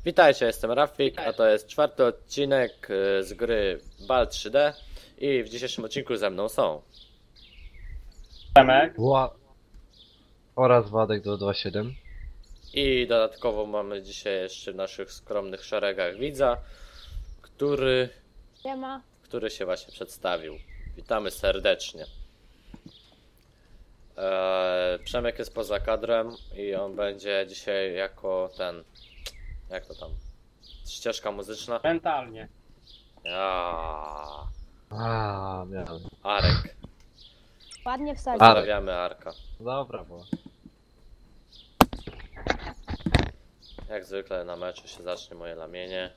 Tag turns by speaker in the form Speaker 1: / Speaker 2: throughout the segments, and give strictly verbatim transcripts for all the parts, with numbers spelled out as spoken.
Speaker 1: Witajcie, jestem Rafik, a to jest czwarty odcinek y, z gry Bal trzy D i w dzisiejszym odcinku ze mną są
Speaker 2: Przemek.
Speaker 3: Wła... oraz Władek do dwa siedem.
Speaker 1: i dodatkowo mamy dzisiaj jeszcze w naszych skromnych szeregach widza, który,
Speaker 4: Siema.
Speaker 1: który się właśnie przedstawił. Witamy serdecznie. Eee, Przemek jest poza kadrem i on będzie dzisiaj jako ten, jak to tam, ścieżka muzyczna.
Speaker 2: Mentalnie.
Speaker 1: Ja,
Speaker 3: A, miałem.
Speaker 1: Arek.
Speaker 4: Ładnie wsadził.
Speaker 1: Pozdrawiamy Arka.
Speaker 3: Dobra, bo.
Speaker 1: Jak zwykle na meczu się zacznie moje lamienie.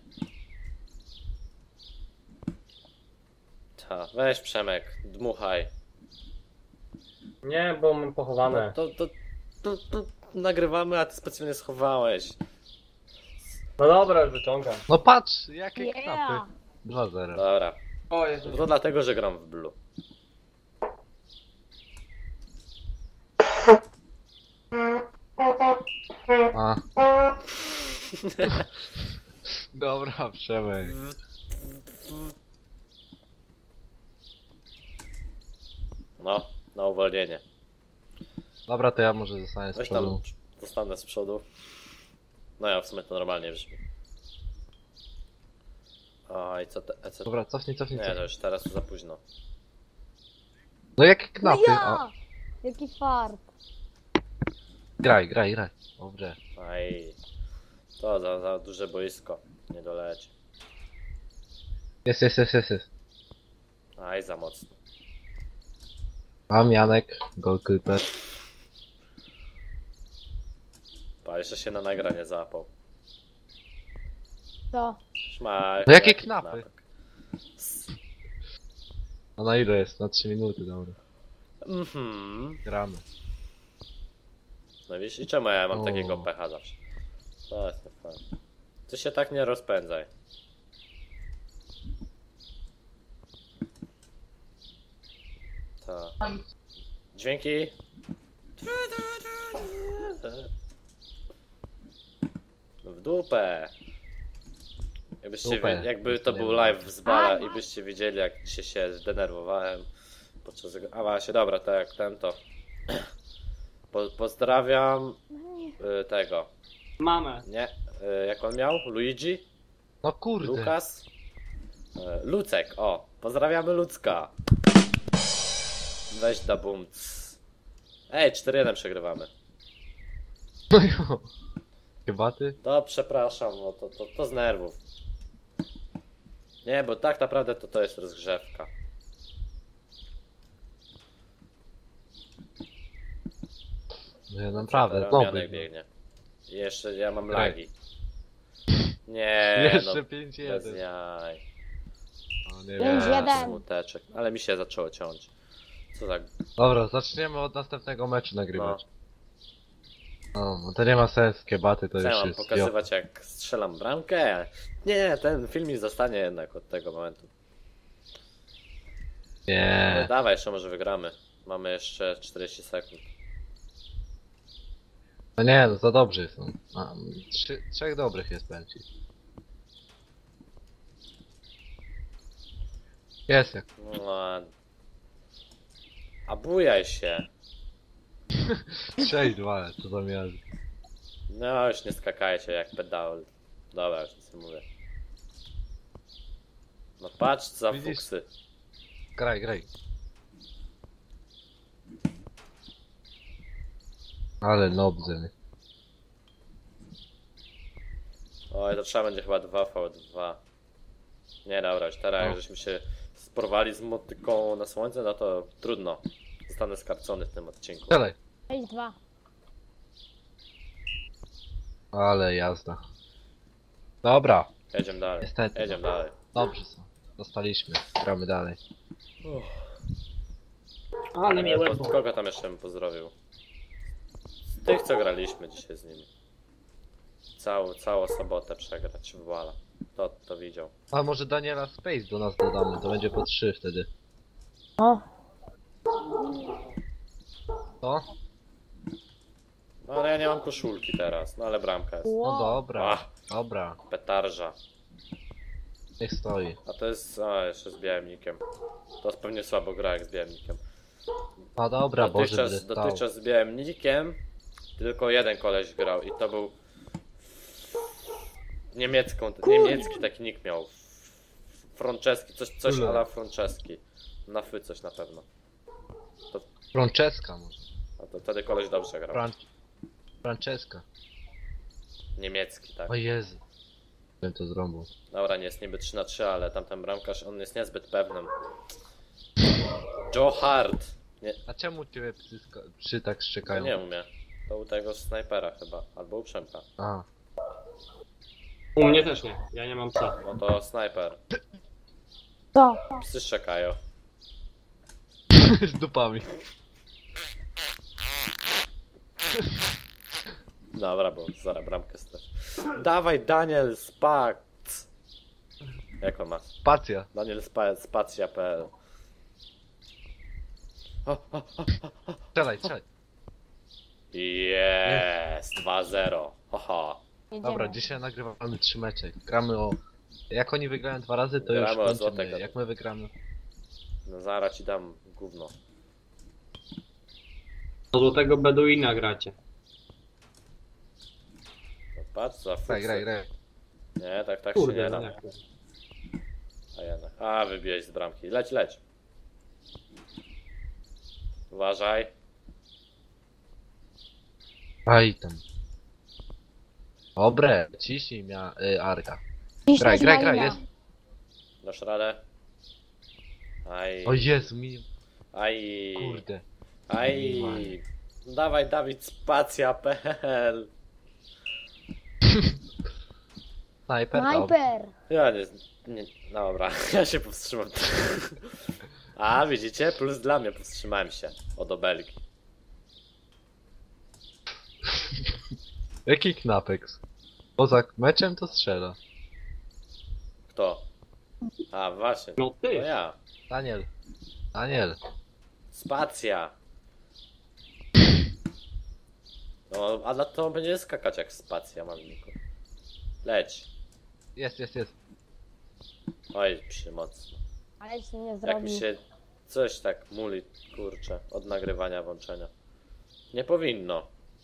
Speaker 1: Ta, weź Przemek, dmuchaj.
Speaker 2: Nie, bo mam pochowane.
Speaker 1: No to, to, to, to nagrywamy, a ty specjalnie schowałeś.
Speaker 2: No dobra, już wyciągam.
Speaker 3: No patrz, jakie
Speaker 4: Yeah.
Speaker 3: knapy. dwa zero.
Speaker 1: Dobra,
Speaker 2: O Jezu.
Speaker 1: to dlatego, że gram w Blue.
Speaker 3: A. Dobra, Przemek.
Speaker 1: No, na uwolnienie.
Speaker 3: Dobra, to ja może zostanę z
Speaker 1: Weź tam,
Speaker 3: przodu.
Speaker 1: zostanę z przodu. No ja w sumie to normalnie brzmi. O, i co te, e, co
Speaker 3: Dobra, cofnij, cofnij,
Speaker 1: Nie, to
Speaker 3: cofnij.
Speaker 1: już teraz to za późno.
Speaker 3: No jakie
Speaker 4: No
Speaker 3: knapy?
Speaker 4: ja!
Speaker 3: A,
Speaker 4: Jaki fart.
Speaker 3: graj, graj, graj. Dobrze.
Speaker 1: Aj, to za, za duże boisko. Nie doleci.
Speaker 3: Jest, jest, jest, jest, jest.
Speaker 1: Aj, za mocno.
Speaker 3: Mam Janek, goalkeeper.
Speaker 1: Pa, jeszcze się na nagranie załapał.
Speaker 4: To.
Speaker 1: Szmaj,
Speaker 3: No jakie
Speaker 1: jaki
Speaker 3: knapy?
Speaker 1: knapek.
Speaker 3: A na ile jest? Na trzy minuty, dobra.
Speaker 1: Mhm.
Speaker 3: Gramy.
Speaker 1: No widzisz, i czemu ja mam
Speaker 3: O.
Speaker 1: takiego pecha zawsze? To jest nie fajne. Ty się tak nie rozpędzaj. To. Dźwięki. W dupę. Jakbyście
Speaker 3: Dupę.
Speaker 1: wie, jakby to był live z bala i byście widzieli, jak dzisiaj się zdenerwowałem podczas tego. A właśnie, dobra, to jak ten to. Po, pozdrawiam y, tego.
Speaker 2: Mamę.
Speaker 1: Nie, y, jak on miał? Luigi?
Speaker 3: No kurde.
Speaker 1: Lukas? Y, Lucek, o. Pozdrawiamy Lucka. Weź da bumc. Ej, cztery jeden przegrywamy.
Speaker 3: No jo. Chyba ty?
Speaker 1: To przepraszam, no to, to, to z nerwów. Nie, bo tak naprawdę to to jest rozgrzewka.
Speaker 3: No ja naprawdę,
Speaker 1: Teraz
Speaker 3: dobry.
Speaker 1: Janek biegnie. I jeszcze ja mam
Speaker 3: Graj.
Speaker 1: lagi. Nie,
Speaker 3: Jeszcze
Speaker 1: no,
Speaker 3: pięć
Speaker 1: bez
Speaker 3: jeden.
Speaker 1: jaj.
Speaker 3: O, nie
Speaker 4: Pięć
Speaker 3: wiem.
Speaker 1: Nie,
Speaker 4: jeden.
Speaker 1: smuteczek. Ale mi się zaczęło ciąć. Co tak?
Speaker 3: Dobra, zaczniemy od następnego meczu
Speaker 1: No.
Speaker 3: nagrywać. No, no to nie ma sensu, kiebaty to
Speaker 1: Co ja
Speaker 3: już
Speaker 1: mam
Speaker 3: jest.
Speaker 1: pokazywać, jak strzelam bramkę? Nie, ten filmik zostanie jednak od tego momentu.
Speaker 3: Jo.
Speaker 1: No,
Speaker 3: Nie.
Speaker 1: dawaj, jeszcze może wygramy. Mamy jeszcze czterdzieści sekund.
Speaker 3: No nie, no za dobrzy są. A, trzy, trzech dobrych jest pęci. Jest jak.
Speaker 1: No, a- a bujaj się.
Speaker 3: sześć dwa, co za miasto.
Speaker 1: No już nie skakajcie jak pedał. Dobra, już nic nie mówię. No patrz za
Speaker 3: Widzisz?
Speaker 1: fuksy.
Speaker 3: Graj, graj. Ale nobzy.
Speaker 1: Oj, to trzeba będzie chyba dwa v dwa. Nie, dobra, już teraz jak
Speaker 3: No.
Speaker 1: żeśmy się sporwali z motyką na słońce, no to trudno. Zostanę skarcony w tym odcinku.
Speaker 3: Strzelaj.
Speaker 4: sześć dwa.
Speaker 3: Ale jazda. Dobra,
Speaker 1: Jedziemy dalej.
Speaker 3: Niestety.
Speaker 1: Jedziemy dalej.
Speaker 3: dobrze są. Dostaliśmy. Gramy dalej.
Speaker 2: Ale mnie
Speaker 1: Po,
Speaker 2: łeb.
Speaker 1: kogo tam jeszcze bym pozdrowił? Z tych, co graliśmy dzisiaj z nimi. Całą, całą sobotę przegrać w Wala. To, to widział.
Speaker 3: A może Daniela Space do nas dodamy, to będzie po trzy wtedy.
Speaker 4: O.
Speaker 3: Co?
Speaker 1: No ale ja nie mam koszulki teraz, no ale bramka jest.
Speaker 3: No
Speaker 4: Wow.
Speaker 3: dobra,
Speaker 1: Ach.
Speaker 3: dobra.
Speaker 1: Petarża.
Speaker 3: Niech stoi.
Speaker 1: A to jest, a jeszcze z białemnikiem. To jest pewnie słabo gra jak z białemnikiem.
Speaker 3: No dobra, Boże, będę
Speaker 1: Dotychczas,
Speaker 3: stał.
Speaker 1: dotychczas z białemnikiem tylko jeden koleś grał i to był niemiecką, niemiecki taki nick miał. Franceski, coś, coś
Speaker 3: Ule.
Speaker 1: ala Franceski. Na fy coś na pewno.
Speaker 3: Franceska może.
Speaker 1: A to wtedy koleś dobrze grał.
Speaker 3: Fran... Franceska.
Speaker 1: Niemiecki, tak.
Speaker 3: O Jezu. Bym to zrobił.
Speaker 1: Dobra, nie jest niby trzy na trzy, ale tamten bramkarz, on jest niezbyt pewnym. Joe Hart. Nie,
Speaker 3: A czemu ciebie psy, sko- psy tak
Speaker 1: to
Speaker 3: szczekają?
Speaker 1: nie umie. To u tego snajpera chyba, albo u Przemka.
Speaker 3: A.
Speaker 2: U mnie też nie, ja nie mam psa.
Speaker 1: No to snajper.
Speaker 4: Co?
Speaker 1: Psy szczekają.
Speaker 3: Z dupami.
Speaker 1: Dobra, bo zaraz bramkę strasz. Dawaj Daniel Spac. Jak on ma?
Speaker 3: Spacja.
Speaker 1: Daniel Spa Spacja kropka p l. O, o, o.
Speaker 3: Strzelaj, strzelaj.
Speaker 1: Jest dwa zero. Haha.
Speaker 4: Jedziemy.
Speaker 3: Dobra, dzisiaj nagrywamy trzy mecze. Gramy o... Jak oni wygrają dwa razy, to
Speaker 1: Gramy o
Speaker 3: już
Speaker 1: złotek.
Speaker 3: kończymy. Jak my wygramy...
Speaker 1: No zaraz ci dam gówno.
Speaker 2: Do złotego Beduina gracie.
Speaker 1: No patrz za fuksy.
Speaker 3: Graj, graj, graj.
Speaker 1: Nie, tak, tak się
Speaker 2: Kurde,
Speaker 1: nie
Speaker 2: no
Speaker 1: da.
Speaker 2: jak to?
Speaker 1: A jednak. A, wybiłeś z bramki. Leć, leć. Uważaj.
Speaker 3: Aj tam. Dobre, ciśnij mia... Y, Arka.
Speaker 4: Ciśniesz
Speaker 3: Graj, graj,
Speaker 4: malina.
Speaker 3: graj, jest.
Speaker 1: Dasz radę? Aj.
Speaker 3: O Jezu, mi...
Speaker 1: Aj.
Speaker 3: Kurde.
Speaker 1: Aj. Dawaj Dawid Spacja kropka p l.
Speaker 3: Snajper? Dobra.
Speaker 4: Snajper!
Speaker 1: Ja nie, nie. Dobra, ja się powstrzymam. A, widzicie? Plus dla mnie powstrzymałem się od obelgi.
Speaker 3: Jaki Knapex? Poza meczem to strzela.
Speaker 1: Kto? A, właśnie.
Speaker 2: No
Speaker 1: To
Speaker 2: ty!
Speaker 1: ja.
Speaker 3: Daniel. Daniel.
Speaker 1: Spacja. No, a na to będzie skakać jak spacja, malniku. Leć.
Speaker 3: Jest, jest, jest.
Speaker 1: Oj, przymocno.
Speaker 4: Ale się nie
Speaker 1: Jak
Speaker 4: zrobi.
Speaker 1: mi się coś tak muli, kurczę, od nagrywania włączenia. Nie powinno.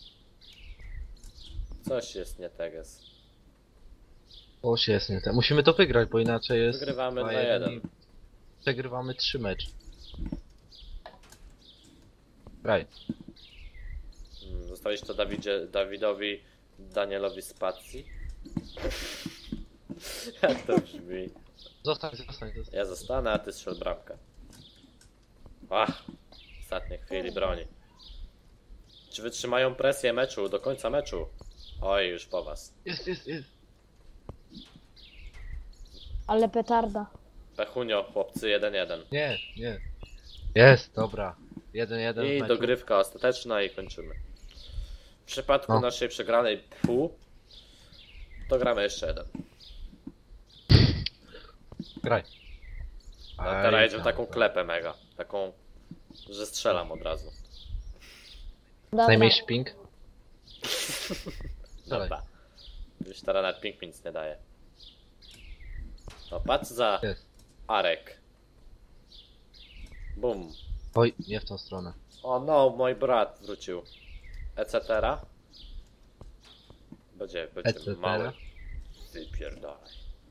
Speaker 1: Coś jest nie tak jest.
Speaker 3: O się jest nie tak. Musimy to wygrać, bo inaczej jest...
Speaker 1: Wygrywamy
Speaker 3: dwa
Speaker 1: dwa jeden.
Speaker 3: i Przegrywamy trzy mecze. Graj.
Speaker 1: Hmm, Zostawić to Dawidzie, Dawidowi, Danielowi Spacji? Jak to brzmi?
Speaker 3: Zostań, zostań, zostań.
Speaker 1: Ja zostanę, a ty strzel bramkę. Ach, w ostatniej chwili broni. Czy wytrzymają presję meczu, do końca meczu? Oj, już po was.
Speaker 3: Jest, jest, jest.
Speaker 4: Ale petarda.
Speaker 1: Pechunio, chłopcy, jeden jeden.
Speaker 3: Nie, nie. Jest, dobra. Jeden, jeden w
Speaker 1: I
Speaker 3: meczu.
Speaker 1: dogrywka ostateczna i kończymy. W przypadku
Speaker 3: No.
Speaker 1: naszej przegranej pół, to gramy jeszcze jeden.
Speaker 3: Graj.
Speaker 1: A
Speaker 3: Aj,
Speaker 1: teraz jedziemy
Speaker 3: tam,
Speaker 1: taką
Speaker 3: tam.
Speaker 1: klepę mega. Taką, że strzelam od razu.
Speaker 4: Dobra.
Speaker 3: Najmniejszy ping? Dalej.
Speaker 1: Dobra. Już teraz nawet ping mi nic nie daje. No patrz za
Speaker 3: Jest.
Speaker 1: Arek. Bum.
Speaker 3: Oj, nie w tą stronę.
Speaker 1: O no, mój brat wrócił. Etc. Będzie, będzie
Speaker 3: Etc.
Speaker 1: mały. Ty pierdolaj.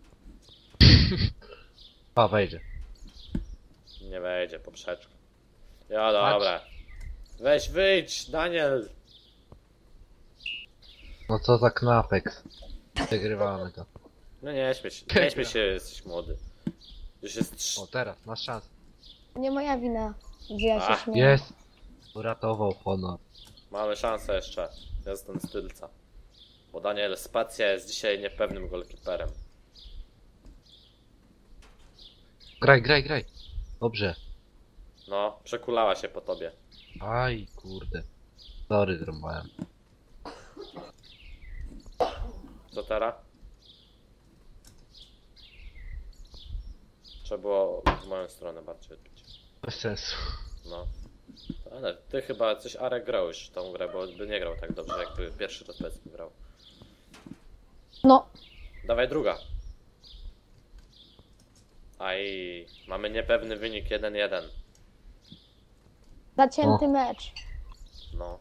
Speaker 3: A, wejdzie.
Speaker 1: Nie wejdzie, poprzeczka. Ja dobra. Weź wyjdź, Daniel.
Speaker 3: No co za Knapex. Przegrywamy to.
Speaker 1: No nie śmiej się, nie śmiej się, jesteś młody. Już jest trz...
Speaker 3: O, teraz, masz szansę.
Speaker 4: Nie moja wina, że ja się
Speaker 1: Ach,
Speaker 4: śmieję.
Speaker 3: Jest. Uratował honor.
Speaker 1: Mamy szansę jeszcze. Jestem stylca. Bo Daniel Spacja jest dzisiaj niepewnym golkiperem.
Speaker 3: Graj, graj, graj. Dobrze.
Speaker 1: No, przekulała się po tobie.
Speaker 3: Aj, kurde. Sorry, zrąbałem.
Speaker 1: Co teraz? Trzeba było w moją stronę bardziej odbić.
Speaker 3: Bez sensu.
Speaker 1: No. Ale ty chyba coś Arek grał już w tą grę, bo by nie grał tak dobrze, jakby pierwszy raz powiedzmy grał.
Speaker 4: No,
Speaker 1: Dawaj druga. Aj, mamy niepewny wynik jeden jeden.
Speaker 4: zacięty mecz.
Speaker 1: No,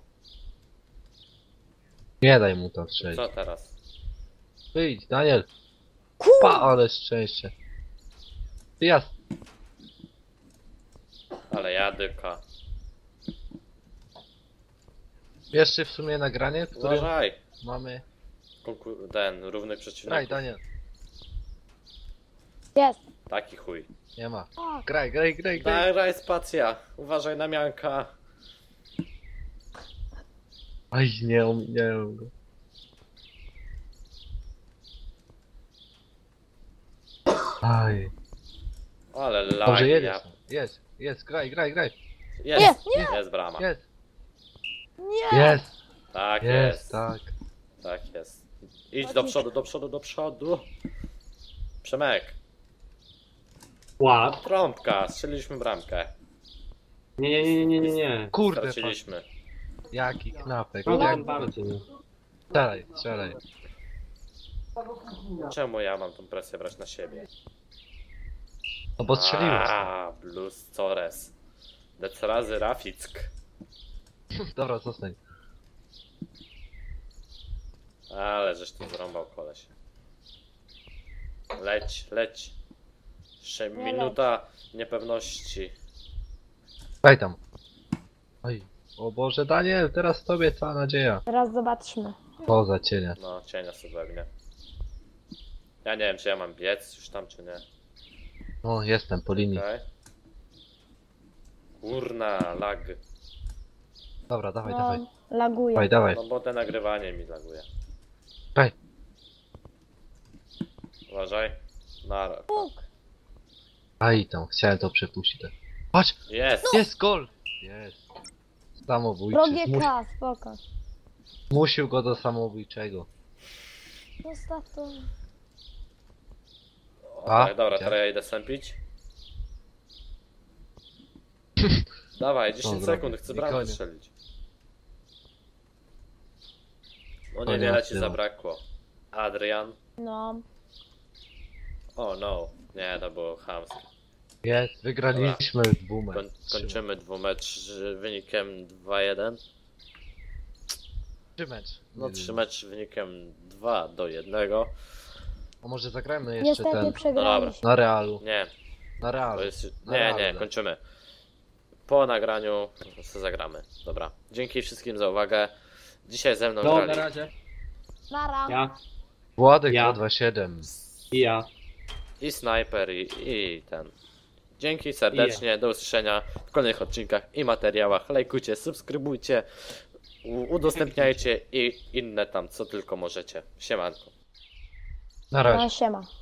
Speaker 3: Nie daj mu to strzelić.
Speaker 1: co teraz?
Speaker 3: Wyjdź, Daniel.
Speaker 4: Kur...
Speaker 3: Pa, ale szczęście. Jasne.
Speaker 1: Ale jadyka.
Speaker 3: Jeszcze w sumie nagranie, w którym
Speaker 1: Uważaj.
Speaker 3: mamy...
Speaker 1: Konkur- ten, równych
Speaker 3: Graj,
Speaker 1: przeciwników.
Speaker 3: Daniel.
Speaker 4: Jest.
Speaker 1: Taki chuj.
Speaker 3: Nie ma.
Speaker 4: Tak.
Speaker 3: Graj, graj, graj, graj.
Speaker 1: Daj, daj spacja. Uważaj na mianka.
Speaker 3: Aj, nie ominąłem go. Aj.
Speaker 1: Ale lag.
Speaker 3: Dobrze,
Speaker 1: ja...
Speaker 3: jedziesz. Jest, jest, graj, graj, graj.
Speaker 1: Jest,
Speaker 4: Nie,
Speaker 1: jest brama.
Speaker 3: Jest,
Speaker 4: Nie!
Speaker 3: jest,
Speaker 1: Tak
Speaker 3: jest,
Speaker 1: jest.
Speaker 3: tak.
Speaker 1: Tak jest. Idź do przodu, do przodu, do przodu. Przemek,
Speaker 2: Ład.
Speaker 1: trąbka, strzeliliśmy bramkę.
Speaker 2: Nie, nie, nie, nie, nie, nie.
Speaker 3: Kurde, pa-
Speaker 1: Straciliśmy.
Speaker 3: jaki knapek.
Speaker 2: No
Speaker 3: Jak...
Speaker 2: tam bardziej.
Speaker 3: Strzelaj, strzelaj.
Speaker 1: Czemu ja mam tą presję brać na siebie?
Speaker 3: No bo strzeliłeś.
Speaker 1: A, Blues Cores. Dec razy Rafick.
Speaker 3: Dobra, zostań.
Speaker 1: Ale żeś tu zrąbał koleś. Leć, leć. Jeszcze
Speaker 4: Nie
Speaker 1: minuta niepewności.
Speaker 3: Daj tam. Oj. O Boże, Daniel, teraz tobie cała nadzieja.
Speaker 4: Teraz zobaczmy.
Speaker 3: Poza cienia.
Speaker 1: No, cienia sobie wegnie. Ja nie wiem, czy ja mam biec już tam, czy nie.
Speaker 3: O, jestem po linii.
Speaker 1: Okej. Kurna, lag.
Speaker 3: Dobra, dawaj,
Speaker 4: No,
Speaker 3: dawaj.
Speaker 4: laguje.
Speaker 3: Dawaj, dawaj.
Speaker 1: No bo te nagrywanie mi laguje.
Speaker 3: Daj.
Speaker 1: Uważaj. Na...
Speaker 4: Puk.
Speaker 3: Aj tam, chciałem to przepuścić. tak. Patrz,
Speaker 1: Jest!
Speaker 3: jest gol! Jest. Samobójczy.
Speaker 4: Drogie
Speaker 3: Zmus
Speaker 4: K, spoko.
Speaker 3: zmusił go do samobójczego.
Speaker 4: Zostaw to.
Speaker 3: A,
Speaker 1: Okej, dobra,
Speaker 3: gdzie?
Speaker 1: teraz ja idę sępić. Dawaj, dziesięć
Speaker 3: Dobra,
Speaker 1: sekund, chcę
Speaker 3: i
Speaker 1: bramkę
Speaker 3: koniec.
Speaker 1: strzelić. No
Speaker 3: Koniec
Speaker 1: niewiele ci
Speaker 3: tyłu.
Speaker 1: zabrakło. Adrian.
Speaker 4: No.
Speaker 1: O no, nie, to było chamskie.
Speaker 3: Jest, wygraliśmy w boomem.
Speaker 1: Koń, kończymy dwumecz z wynikiem dwa jeden.
Speaker 3: Trzy mecz.
Speaker 1: No trzy mecz wynikiem dwa do jednego.
Speaker 3: A może zagrajmy jeszcze
Speaker 4: Niestety
Speaker 3: ten
Speaker 4: przegraliśmy.
Speaker 3: na Realu.
Speaker 1: Nie,
Speaker 3: Na
Speaker 1: to
Speaker 3: Realu.
Speaker 1: jest...
Speaker 3: Na
Speaker 1: Nie,
Speaker 3: Realu,
Speaker 1: nie,
Speaker 3: tak.
Speaker 1: kończymy. Po nagraniu co zagramy. Dobra. Dzięki wszystkim za uwagę. Dzisiaj ze mną
Speaker 2: No, na
Speaker 1: grali
Speaker 2: razie.
Speaker 4: Nara.
Speaker 2: Ja
Speaker 3: Władek
Speaker 2: Ja.
Speaker 3: dwa dwa siedem.
Speaker 2: i ja.
Speaker 1: i Sniper i, i ten. Dzięki serdecznie, do usłyszenia w kolejnych odcinkach i materiałach. Lajkujcie, subskrybujcie, u- udostępniajcie i inne tam, co tylko możecie. Siemanko.
Speaker 3: Na razie.
Speaker 4: No, siema.